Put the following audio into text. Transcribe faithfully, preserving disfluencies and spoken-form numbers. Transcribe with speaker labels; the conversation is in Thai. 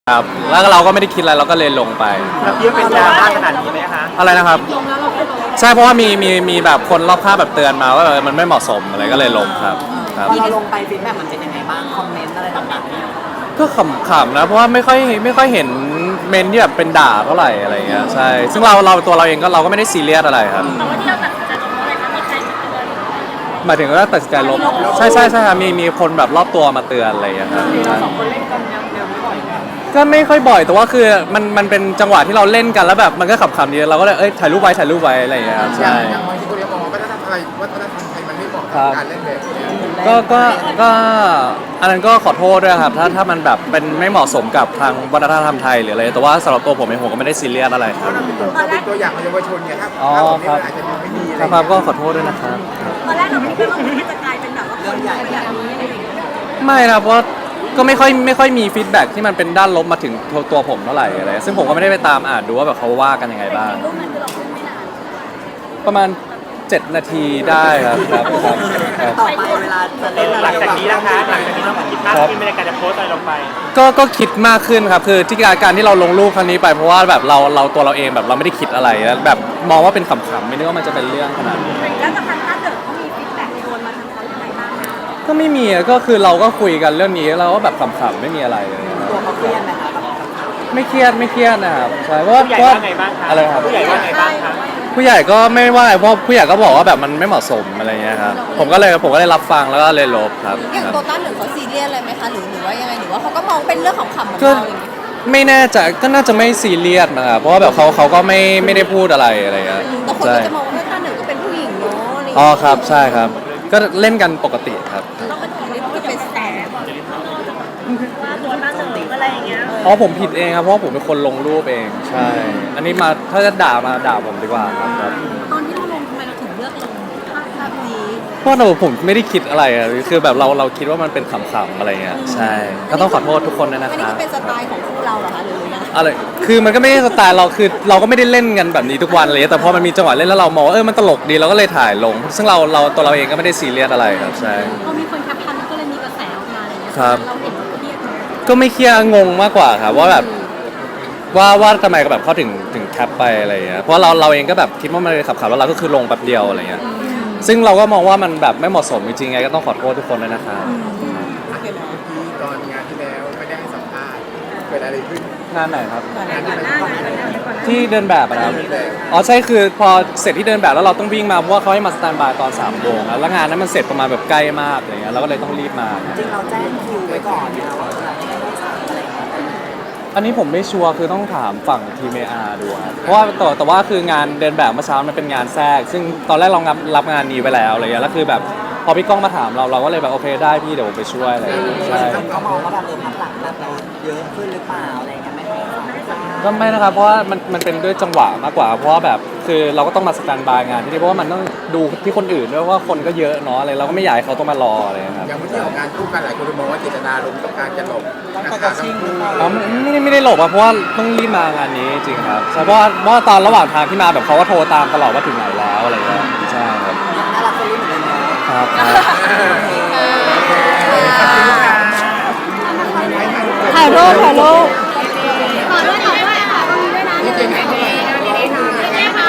Speaker 1: ครับแล้วเราก็ไม่ได้คิดอะไรเราก็เลยลงไป
Speaker 2: เราคิดว่าเป็นดราม่าขนาดนี้ไหมคะ
Speaker 1: อะไรนะครับใช่เพราะว่ามีมีมีแบบคนรอบข้างแบบเตือนมาว่ามันไม่เหมาะสมอะไรก็เลยลงครับครับ
Speaker 3: พอเราลงไปฟีดแบ็กมันเป็นยังไงบ้างคอมเมนต์อะไรต่างๆ
Speaker 1: ก็ขำๆนะเพราะว่าไม่ค่อยไม่ค่อยเห็นเมนที่แบบเป็นด่าเท่าไหร่อะไรเงี้ยใช่ซึ่งเราเราตัวเราเองก็เราก็ไม่ได้ซีเรียสอะไรครับ
Speaker 4: แต่ว่าที่เราตัดสินใจลงอะไรคะมีใครเตือน
Speaker 1: หมายถึงว่าตัดสินใจลบใช่ใช่ใช่ครับมีมีคนแบบรอบตัวมาเตือนอะไรอย่างเงี้ยครับ
Speaker 3: สองคนเล่นกันแนวแนวนี้บ่อยไหม
Speaker 1: ก็ไม่ค่อยบ่อยแต่ว่าคือมันมันเป็นจังหวะที่เราเล่นกันแล้วแบบมันก็ขำๆดีเราก็เลยเอ้ยถ่ายรูปไว้ถ่ายรูปไว้อะไรอย่างเงี้ยครับใช่
Speaker 5: อย่างบางทีคนเรียกมองว่าวัฒนธรรมไทยวัฒนธรรมไทยมันไม่เหมาะกับการเล่นแบบนี้
Speaker 1: ก็ก็ก็อันนั้นก็ขอโทษด้วยครับถ้าถ้ามันแบบเป็นไม่เหมาะสมกับทางวัฒนธรรมไทยหรืออะไรแต่ว่าสำหรับตัวผมเองผมก็ไม่ได้ซีเรียสอะไรค
Speaker 5: เพ
Speaker 1: รับ
Speaker 5: ราะเราเป็นตัวเราเป็นตัวอย่างของเยาวชนไงครับถ้าแบบนี้มันอาจจะไม่ดีอะไร
Speaker 1: ครับก็ขอโทษด้วยนะครับ
Speaker 4: ตอนแรกเราคิดว่ามันจะกลายเป็นแบบว่าคนใหญ่แบบนี้อะไรอย่างเงี้ย
Speaker 1: ไม่นะเพราะก็ไม่ค่อยไม่ค่อยมีฟีดแบ็กที่มันเป็นด้านลบมาถึงตัวผมเท่าไหร่อะไรซึ่งผมก็ไม่ได้ไปตามอ่านดูว่าแบบเขาว่ากันยังไงบ้าง
Speaker 4: รูปนั้นคือเราพูดไม่นาน
Speaker 1: ประมาณเจ็ดนาทีได้ครับครับครับครับ
Speaker 3: ต่อไปเวลาจะเล่นอะไร
Speaker 2: หลังจากนี้นะคะหลังจากนี้เราคิดมากขึ้นในการจะโพสอะไรลงไป
Speaker 1: ก็ก็คิดมากขึ้นครับคือที่การการที่เราลงรูปครั้งนี้ไปเพราะว่าแบบเราเราตัวเราเองแบบเราไม่ได้คิดอะไรแล้วแบบมองว่าเป็นขำๆไม่นึกว่ามันจะเป็นเรื่องขนาดนี้
Speaker 4: แล้วกับทางถ้าเกิดเขามีฟีดแบ็กโดนมาทางเขายังไงบ้าง
Speaker 1: ก็ไม่มีก็คือเราก็คุยกันเรื่องนี้เราก็แบบขำๆไม่มีอะไรเลย
Speaker 3: ตัวเขาเครียดไหมคะ
Speaker 1: ไม่เครียดไม่เครียดนะครับใช่เพราะว่า
Speaker 2: ผู้ใหญ่ว่าไงบ้างคะ
Speaker 1: อะไรครับ
Speaker 2: ผู้ใหญ่ว่าไงบ้างคะ
Speaker 1: ผู้ใหญ่ก็ไม่ว่าเพราะผู้ใหญ่ก็บอกว่าแบบมันไม่เหมาะสมอะไรเงี้ยครับผมก็เลยผมก็เลยรับฟังแล้วก็เลยลบครับ
Speaker 6: อย่างโตต้าหนึ่งเขาซีเรียสอะไรไหมคะหรือหรือว่ายังไงหรือว่าเขาก็มองเป็นเรื่องของขำเหมือน
Speaker 1: ก็
Speaker 6: เราอย่างนี้
Speaker 1: ไม่แน่ใจก็น่าจะไม่ซีเรียสนะครับเพราะว่าแบบเขาเขาก็ไม่ไม่ได้พูดอะไรอะไรเงี้ย
Speaker 6: แต่คนก็จะมองว่าโตต้าหนึ่งก็เป็นผู้หญิงเนาะอะไรอย่าง
Speaker 1: อ๋อ
Speaker 6: เงี้ย
Speaker 1: ครับใช่ครับ ก็เล่นกันปกติครับ
Speaker 4: เราเป็นคนที่พูดเป็นแสบว่าตัวตั้งสติอะไรอย่างเงี้ย
Speaker 1: อ๋อผมผิดเองครับเพราะว่าผมเป็นคนลงรูปเองใช่ อันนี้มาถ้าจะด่ามาด่าผมดีกว่าครับครับ
Speaker 4: ตอนที่เราลงทำไมเราถึงเลือกลงภาพภาพนี้
Speaker 1: เพราะเราผมไม่ได้คิดอะไรอะคือแบบเราเราคิดว่ามันเป็นขำๆอะไรเงี้ยใช่ก็ต้องขอโทษทุกคนด้วยนะ
Speaker 6: อัน
Speaker 1: ค
Speaker 6: นี้
Speaker 1: รับ
Speaker 6: ก็เป็นสไตล์ของคู่เราเหรอคะหรือยังไง
Speaker 1: อะไรคือมันก็ไม่ได้สไตล์เราคือเราก็ไม่ได้เล่นกันแบบนี้ทุกวันเลยแต่พอมันมีจังหวะเล่นแล้วเรามองว่าเออมันตลกดีเราก็เลยถ่ายลง ซึ่งเราเราตัวเราเองก็ไม่ได้ซีเรียสอะไรครับใช่
Speaker 4: พอมีคนแคปชั่นก็เลยมีกระแสออกมาอะไรเงี้ย
Speaker 1: ครับ
Speaker 4: เราเห็นเราเครียดไหม
Speaker 1: ก็ไม่เครียดงงมากกว่าครับว่าแบบว่าว่าทำไมแบบเขาถึงถึงแคปไปอะไรเงี้ยเพราะเราเราเองก็แบบคิดว่ามันขับขับแล้วเราก็คือลงแป๊บเดียวอะไรเงี้ยซึ่งเราก็มองว่ามันแบบไม่เหมาะสมจริงๆไงก็ต้องขอโทษทุกคนด้วยนะครับ
Speaker 5: ที่ตอนงานที่แล้วไม่ได้ให้สัมภาษณ์เกิดอะไรขึ้น
Speaker 1: งานไหนครับ
Speaker 5: งานที่ไหนก่อนหน้านี้
Speaker 1: ที่เดินแบบอะนะครับอ๋อใช่คือพอเสร็จที่เดินแบบแล้วเราต้องวิ่งมาเพราะว่าเขาให้มาสแตนบายตอนสามโมงแล้วงานนั้นมันเสร็จประมาณแบบใกล้มากอะไรเงี้ยเราก็เลยต้องรีบมา
Speaker 3: จริงเราแจ้งคิวไว้ก่อนนะว่าจะให้ให้สามอะไรอย่างเงี้ย
Speaker 1: อันนี้ผมไม่ชัวร์คือต้องถามฝั่งทีมเออาร์ดูครับเพราะว่าแต่แต่ว่าคืองานเดินแบบเมื่อเช้ามันเป็นงานแทรกซึ่งตอนแรกเรารับรับงานนี้ไปแล้วอะไรเงี้ยแล้วคือแบบพอพี่ก้องมาถามเราเราก็เลยแบบโอเคได้พี่เดี๋ยวผมไปช่วยอะไรอย่างเงี้ยใช่
Speaker 3: เขามองว่าแบบเออพักหลังแบบเราเยอะขึ้นหรือเปล่าอะไรอย่างเงี้ยไม่ให้สัมภาษณ์
Speaker 1: ก็ไม่นะครับเพราะว่ามันมันเป็นด้วยจังหวะมากกว่าเพราะว่าแบบคือเราก็ต้องมาสแตนบายงานที่นี่เพราะว่ามันต้องดูที่คนอื่นด้วยว่าคนก็เยอะเนาะอะไรเราก็ไม่อยากให้เขาต้องมารออะไรนะครับ
Speaker 5: อย่างเมื่อที่ออกงานคู่กันหลายคนมองว่าเจตนาลมต้องการจะหลบ
Speaker 3: ต้อง
Speaker 5: นะ
Speaker 3: ไป
Speaker 5: ค
Speaker 3: ก
Speaker 5: รั
Speaker 3: ระ
Speaker 5: บ
Speaker 3: ชิงหรือเปล่า
Speaker 1: อ๋อไม่ได้ไม่ได้หลบอะเพราะว่าต้องรีบมางานนี้จริงครับใช่เพราะว่าเพราะว่าตอนระหว่างทางที่มาแบบเขาก็โทรตามตลอดว่าถึงไหนแล้วอะไรเงี้ยใช่ครับ
Speaker 3: น่ารักคนรู้เหมือนกันเนาะ
Speaker 1: ครับ
Speaker 6: ถ่ายรูปถ่ายรูป